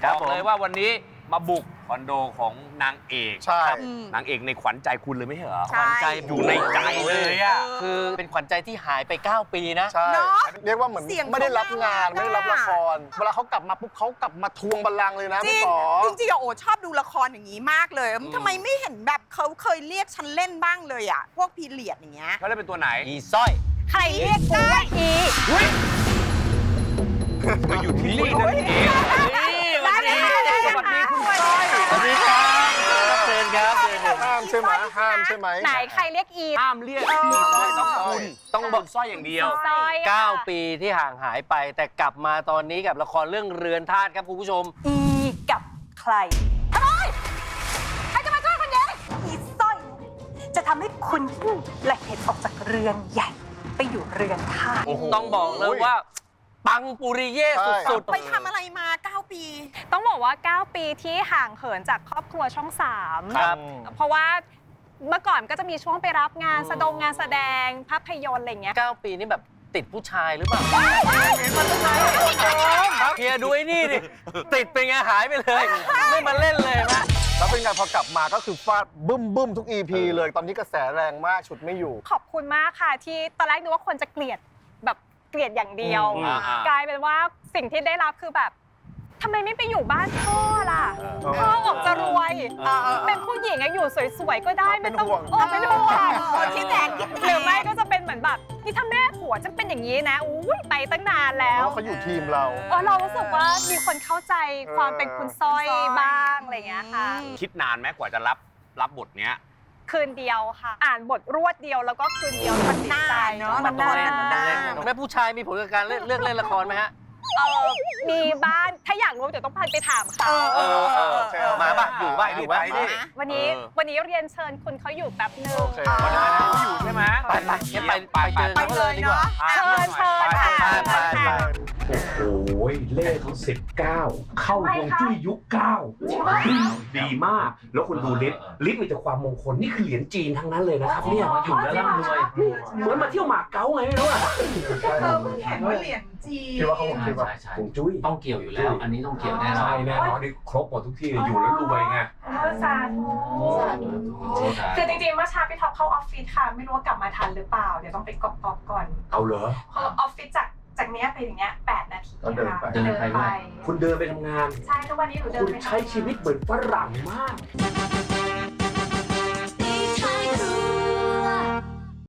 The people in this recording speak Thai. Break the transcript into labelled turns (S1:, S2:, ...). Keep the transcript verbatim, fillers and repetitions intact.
S1: บอกเลยว่าวันนี้มาบุกคอนโดของนางเอก
S2: ใช่
S1: นางเอกในขวัญใจคุณเลยไม่ใช่เหรอ
S3: ใช่
S1: ขวัญใจอยู่ในใจเลยอ่ะ
S4: คือเป็นขวัญใจที่หายไปเก้าปีนะ
S2: ใช่
S3: เนอะ
S2: เรียกว่าเหมือน
S3: เสียง
S2: ไม่ได้รับงาน
S3: เขาน่ารัก
S2: ไม่ได้รับละคร เวลาเขากลับมาปุ๊บเขากลับมาทวงบัลลังก์เลยนะ
S3: จริ
S2: พี่
S3: ง
S2: ป๋อ
S3: จริงๆอะโอชอบดูละครอย่างนี้มากเลยทำไมไม่เห็นแบบเขาเคยเรียกฉันเล่นบ้างเลยอ่ะพวกพีเรียดอย่างเงี้ย
S1: เขาได้เป็นตัวไหน
S4: อีสร้อย
S3: ใครเรียกได้อี
S1: มาอยู่ที่นี่นั่นเอง
S3: ได้เลยค่ะได้
S1: ส
S3: เลย
S1: วัสดี
S3: ค่ะ
S1: คุณก้อย
S4: สวัสดีครับเชิญครับเชิญครับ
S2: ห้ามใช่ไหมห้ามใช่ไหม
S5: ไหนใครเรียกอี
S1: ห้ามเรียกอีสร้อยต้องคุณต้องบอกสร้อยอย่างเดียว
S5: ซอยค่ะ
S4: เก้าปีที่ห่างหายไป แต่กลับมาตอนนี้กับละครเรื่องเรือนธาตุครับคุณผู้ชม
S5: อีกับใครทำไมใครจะมาช่วยคุณเย้อีสร้อย จะทำให้คุณและเห็นออกจากเรือนใหญ่ ไปอยู่เรือนธาตุ
S2: โอ้โห
S4: ต้องบอกเลยว่า ปังปุริเย่
S2: ใช่
S4: สุด
S3: ไปทำอะไรมาเก้าปี
S5: ต้องบอกว่า เก้า ปีที่ห่างเหินจากครอบครัวช่องสาม
S4: ๆครับ
S5: เพราะว่าเมื่อก่อนก็จะมีช่วงไปรับงานแสดงงานแสดงภาพยนตร์อะไรอย่างเงี้ย
S4: เก้าปีนี่แบบติดผู้ชายหรือเปล่าเฮียดูไอ้นี่ดิ ติดเป็นไงหายไปเลย ไม่มาเล่นเลยนะ
S2: แล้วเป็นไงพอกลับมาก็คือฟาดบึ้มบึ้มทุก อี พี เลย ตอนนี้กระแสแรงมากฉุดไม่อยู่
S5: ขอบคุณมากค่ะที่ตอนแรกนึกว่าคนจะเกลียดแบบเกลียดอย่างเดียว
S1: อืมอ่าๆ
S5: กลายเป็นว่าสิ่งที่ได้รับคือแบบทำไมไม่ไปอยู่บ้านพ่อล่ะพ่อออกจะรวย
S3: เออเออ
S5: เป็นผู้หญิงอะอยู่สวยๆก็ได้ไม่ต้อง
S2: เป็นห่วง
S5: โอ้เป็นห่วง
S3: เออคิดแทนคิดแทน
S5: หรือไม่ก็จะเป็นเหมือนแบบนี่ถ้าแม่ผัวจะเป็นอย่างนี้นะอุ้ยไปตั้งนาน
S2: เพ
S5: แล้ว
S2: ราะว่าเขาอยู่ทีมเรา
S5: เออเรารู้สึกว่ามีคนเข้าใจความเป็นคุณสร้อยบ้างอะไรอย่างเงี้ยค่ะ
S1: คิดนานไหมกว่าจะรับรับบทเนี้ย
S5: คืนเดียวค่ะ อ่านบทรวดเดียวแล้วก็คืนเดียวมันนานเนาะ
S3: มัน
S5: นาน
S3: มันนาน
S4: แม่ผู้ชายมีผลกับการเลือกเลือกเล่นละครไหมฮะ
S5: เออมีบ้านถ้าอยากรู้เดี๋ยวต้องพาไปถามเขา
S4: เออเออเออมาป่ะอยู่ป่ะอยู่ป่ะ
S1: ไปดิ
S5: วันนี้
S1: เออ
S5: วันนี้เรียนเชิญคุณเขาอยู่แป๊บหนึง
S2: โอเค
S1: วันนั้นเขาอยู่ใช่ไหม
S4: ไปไปงั้นไปไปเจอ
S3: ไป
S4: เขา
S3: เล
S4: เลย
S3: ย
S4: ดีกว่า
S3: เนาะ
S5: เชิญเชิญค่ะ
S4: ไปไปไป
S6: โอ้โหเลขเขาสิบเก้าเข้าฮวงจุ้ยยุคเก้าดีมาก แล้วคุณดูลิศลิศมีแต่ความมงคล นี่คือเหรียญจีนทั้งนั้นเลยนะครับเนี่ยมาอยู่แล้วร่ำรวยเหมือนมาเที่ยวหมากเก๊าไงไม่รู้อะ
S3: เออเพิ่งเห็นว่าเหรียญจีน
S2: คิดว่าเขาคงคิดว่า
S6: ใช่ใช่
S2: ฮวงจุ้ย
S6: ต้องเกี่ยวอยู่แล้ว อันนี้ต้องเกี่ยวแน่นอน
S7: ใช่แน่นอนนี่ครบหมดทุกที่เลยอยู่แล้วรวยไง
S8: สาธุคือจริงๆเมื่อเช้าพี่ท็อปเข้าออฟฟิศค่ะ ไม่รู้ว่ากลับมาทันหรือเปล่า เดี๋ยวต้องไปกรอบๆก่อน
S7: เอาเหรอ
S8: เพราะออฟฟิศจากจากเนี้ยไปอย่างเงี้ยแปดนาที
S2: ก็เดิน
S8: ค่ะ
S2: ไป
S6: เดินไปด้วยคุณเดินไปทำงาน
S8: ใช่ทุกวันนี้หนูเดิน
S6: คุณ
S8: ไปทำงาน
S6: ใช้ชีวิตเหมือนฝรั่งมาก